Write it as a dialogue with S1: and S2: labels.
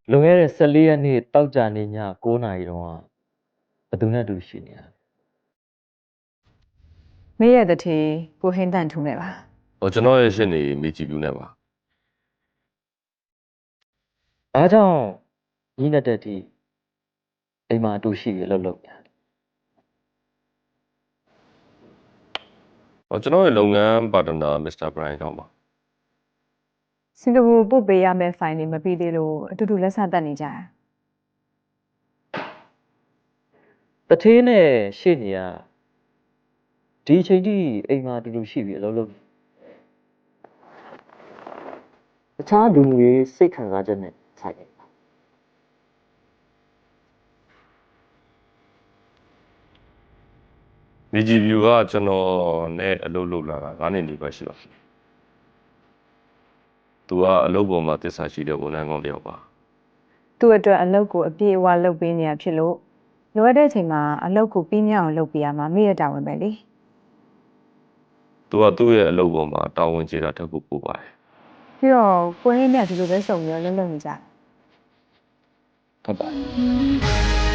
S1: လွန်ခဲ့တဲ့14ရက်နေ့တောက်ကြနေည9နာရီတုန်းကဘယ်သူနဲ့တူရှိနေရလဲ
S2: မေးရတဲ့ทีကိုဟင်းတန်ထူးနေပါ
S3: ကျွန်တော်ရဲ့ရှင်းနေမိကြည့်ပြူးနေပါ
S1: အားကြောင့်ညီနဲ့တက်တီအိမ်မှာအတူရှိရလို့ညာ
S3: ကျွန်တော်ရဲ့လုပ်ငန်းပါတနာမစ္စတာဘရိုင်ကြောင့်ပါ
S2: စင်ကာပူပို့ပေးရမယ့်ဖိုင်တွေမပြီးသေးလို့အတူတူလက်ဆက်တက်နေကြတာ
S1: တထေးနဲ့ရှေ့နေကဒီအချိန်ထိအိမ်မှာအတူတူရှိပြီအလုပ်လုပ်တခြားလူမျိုးရေးစိတ်ခံစားချက်နဲ့ဆိုင်နေတာ
S3: မိကြည့်ပြူကကျွန်တော်နဲ့အလုပ်လုပ်လာတာ9နှစ်နေပါရှိပါသူကအလုပ်ပေါ်မှာတစ္ဆာရှိတဲ့ဝန်ထမ်းကောင်းတစ်ယောက်ပါ
S2: သူ့အတွက်အလုပ်ကိုအပြည့်အဝလုပ်ပေးနေရဖြစ်လို့လိုအပ်တဲ့အချိန်မှာအလုပ်ကိုပြီးမြောက်အောင်လုပ်ပေးရမှာမေးရတာဝင်ပဲလေ
S3: သူကသူ့ရဲ့အလုပ်ပေါ်မှာတာဝန်ကျေတာတက်ဖို့ပို့ပါတယ်
S2: ပြီးတော့ကိုဟင်းနဲ့ဒီလိုပဲစုံပြီးတော့လှုပ်လှုပ်နေကြ
S1: ဟုတ်ပါတယ်